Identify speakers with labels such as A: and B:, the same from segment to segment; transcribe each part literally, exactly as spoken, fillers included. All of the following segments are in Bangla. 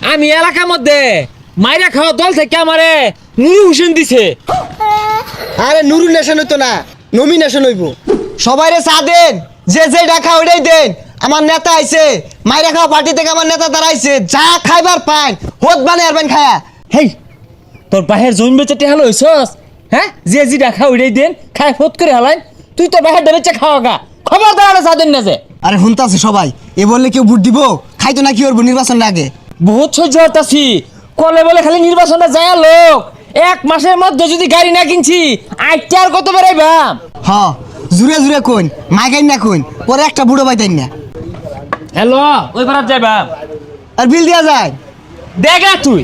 A: আমি এলাকার মধ্যে মাইরা খাওয়া দল থেকে আমারে নুরু হোসেন দিছে।
B: আরে নুরু নেশন হইতো না, নমিনেশন হইব। সবাইরে চা দেন, যে যে ডাকা ওইটাই দেন। আমার নেতা আইছে, মাইরা খাওয়া পার্টি থেকে আমার নেতা দাঁড়াইছে। যা খাইবার পান হোত বানে আরবেন খায়া।
A: হেই তোর বাহের জমি বেচে টেহালো হইছস? হ্যাঁ, যে যে দেখা ওইটাই দেন খায় ফোত করে হালাইন। তুই তো বাহের বেচে খাওয়া গা, খবর দাঁড়ানো চা দেন না যে।
B: আরে হুনতাছে সবাই, এ বললে কেউ ভোট দিব? খাইতো না কি করবো নির্বাচন আগে?
A: বহুত সহ্য হতাছি, কলে বলে খালি নির্বাচনটা যায় লোক। এক মাসের মধ্যে যদি গাড়ি না কিনছি আইতে আর কত বেড়াইবাম।
B: হ জুড়ে জুড়ে কইন, মাইকাইন না কইন, পরে একটা বুড়ো পাইতেন না।
A: হ্যালো, ওই পারাত যাইবাম।
B: আর বিল দিয়া যায়?
A: দেখা তুই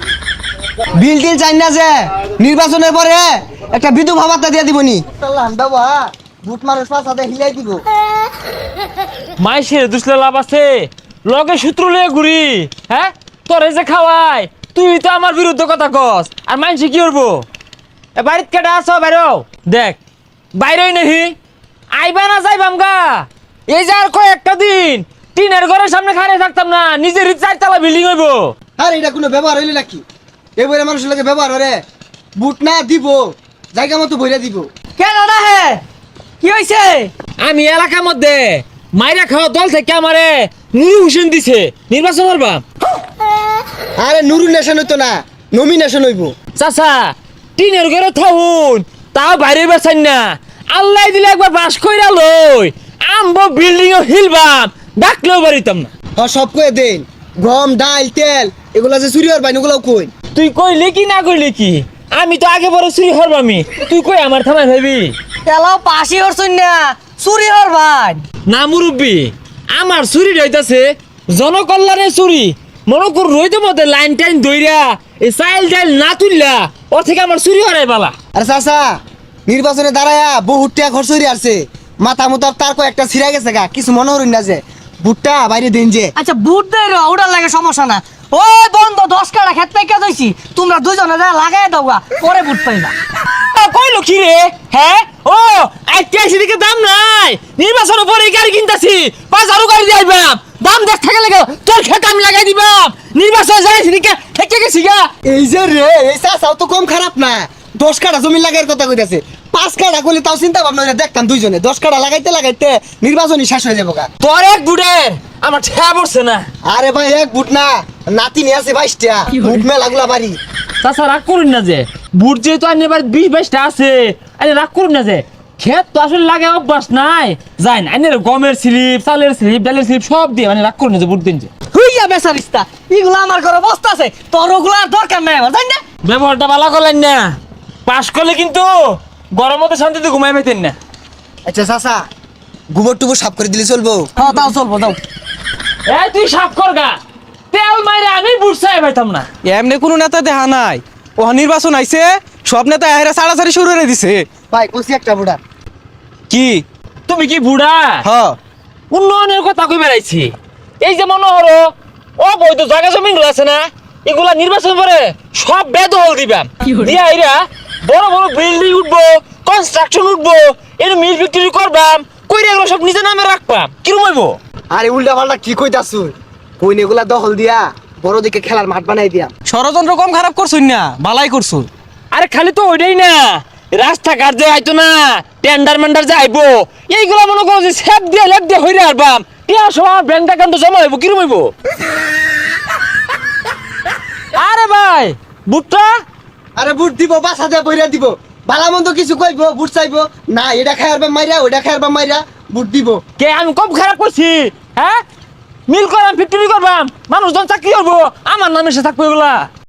B: বিল টিল চাই না যে, নির্বাচনের পরে একটা বিধবা ভাতা দিয়ে দিবনি। বাবা বুট মানুষ পাশাতে হিলাই দিব।
A: মাইসের দুসলে লাভ আছে, লগে সূত্র লয়ে ঘুরি। হ্যাঁ, তোর এই যে খাওয়াই, তুই তো আমার বিরুদ্ধে কথা কস। আর মাইসে কি করবো? এ বাড়িত কেটে আসো বাইরেও দেখ, বাইরেই নাহি আইবা না যাইবাম গা। এই যে আর কয়েকটা দিন টিনের ঘরের সামনে খাড়ে থাকতাম না, নিজের চারতলা বিল্ডিং হইব।
B: আর এটা কোনো ব্যবহার হইলে নাকি? এবারে মানুষের লাগে ব্যবহার হরে। বুট না দিব, জায়গা মতো বইরা দিব।
A: কেন না হে, কি হয়েছে? আমি এলাকার মধ্যে মাইরা খাওয়া দল থেকে আমারে নুরু হোসেন দিছে, নির্বাচন করবা।
B: আরে নুরু নেশন হইতো না, নমিনেশন হইব।
A: চাচা টিনের ঘরে থাকুন, তাও বাইরে বেছেন না। আল্লাহ দিলে একবার বাস কইরা লই আমবো বিল্ডিং ও হিলবাম, ডাকলেও বাড়িতাম না।
B: হ সব কয়ে দেন, গম ডাল তেল এগুলা যে চুরি হওয়ার বাইন ওগুলাও কই।
A: তুই কইলে কি না কইলে কি, আমি তো আগে বড় চুরি হরবামি। তুই কই আমার থামাই ভাবি
C: তেলাও পাশি হরছুন না, চুরি হরবান
A: না মুরব্বী। আমার চুরি রইতাছে জনকল্যাণের চুরি। মনে কর রইতে মধ্যে লাইন টাইন দইরা এই চাইল ডাইল না তুললা ওর থেকে আমার চুরি হরাই বালা।
B: আরে চাচা নির্বাচনে দাঁড়ায়া বহুত টাকা খরচ হইরে আসছে। মাথা মুতার তার কয়েকটা ছিড়া গেছে গা, কিছু মনে হরুন না যে বুটটা বাইরে দেন যে।
C: আচ্ছা বুট দেয় রে, ওটার লাগে সমস্যা না। ওই বন্ধ দশ কাটা খেত থেকে দইছি, তোমরা দুজনে যা লাগাই দাও গা, পরে বুট পাইবা।
A: কইলো কি রে? হ্যাঁ ও আইতে দিকে দাম নাই, নির্বাচনের পরে গাড়ি কিনতাছি, পাঁচ হাজার গাড়ি দিবাম, দাম দেখ থাকে লাগে তোর খেত আমি লাগাই দিবাম। নির্বাচন যাইছি দিকে থেকে গেছি গা।
B: এই যে রে, এই চাচাও তো কম খারাপ না। দশ কাটা জমি লাগাইয়ের কথা কইতাছে, পাঁচ কাটা করলে তাও চিন্তা ভাবনা করে দেখতাম দুইজনে। দশ কাটা লাগাইতে লাগাইতে নির্বাচনই শেষ হয়ে যাবো গা।
A: তোর এক বুড়ের আমার ঠেয়া পড়ছে না।
B: আরে ভাই এক বুট না, নাতি নিয়ে আছে বাইশটা, বুট মেলাগুলা বাড়ি।
A: চাচা রাগ করুন না যে, বুট যেহেতু আনি এবার বিশ বাইশটা আছে, আরে রাগ করুন না যে, ক্ষেত তো আসলে লাগে অভ্যাস নাই। যাই না আইনের গমের স্লিপ, চালের স্লিপ, ডালের স্লিপ সব দিয়ে মানে রাগ করুন না যে বুট দিন যে।
C: হইয়া বেচারিস্তা, এগুলো আমার ঘরে বস্তা আছে, তোর ওগুলো আর দরকার নাই আমার, জানি না।
A: ব্যবহারটা ভালো করলেন না, পাশ করলে কিন্তু গরমতে শান্তিতে ঘুমাই পাইতেন না।
B: আচ্ছা চাচা গোবর টুবর সাফ করে দিলে চলবো?
C: হ্যাঁ তাও চলবো, দাও।
A: এই তুই সাফ কর গা, তেল মাইরে আমি বুট চাই পাইতাম না।
D: এমনি কোনো নেতা দেখা নাই, ও নির্বাচন আইছে সব নেতা এরা সাড়াসাড়ি শুরু করে দিছে।
B: ভাই কইছি একটা বুড়া।
D: কি
A: তুমি কি বুড়া?
D: হ
A: উন্নয়নের কথা কই বেড়াইছি। এই যে মনে হলো অবৈধ জায়গা জমি গুলো আছে না, এগুলা নির্বাচন পরে সব বেদখল দিবাম। দিয়া এরা বড় বড় বিল্ডিং উঠবো, কনস্ট্রাকশন উঠবো, এর মিল ফ্যাক্টরি করবাম, কইরা এগুলো সব নিজের নামে রাখবাম। কিরম হইব?
B: আরে উল্টা পাল্টা কি কইতাছুন? কইন এগুলা দখল দিয়া বড় দিকে খেলার মাঠ বানাই দিয়া।
D: ষড়যন্ত্র কম খারাপ করছুন না, বালাই করছুন।
A: আরে খালি তো ওইটাই না, রাস্তাঘাট যে আইতো না, টেন্ডার মেন্ডার যে আইবো, এইগুলা মনে করো যে সেপ দিয়ে লেপ দিয়ে হইরে আরবাম। টিয়া সময় ব্যাংক অ্যাকাউন্টে জমা হইব, কিরম হইব? আরে ভাই বুটটা
B: আরে বুট দিব, বাসা দিয়ে বইরা দিব। ভালা মন্দ কিছু কইবো, বুট চাইবো না, এটা খাইয়ারবা মাইরা ওইটা খাইয়ারবা মাইরা বুট দিব।
A: কে আমি কম খারাপ করছি? হ্যাঁ, মিল করাম ফ্যাক্টরি করবাম, মানুষজন চাকরি করবো, আমার নামে সে থাকবো এগুলা।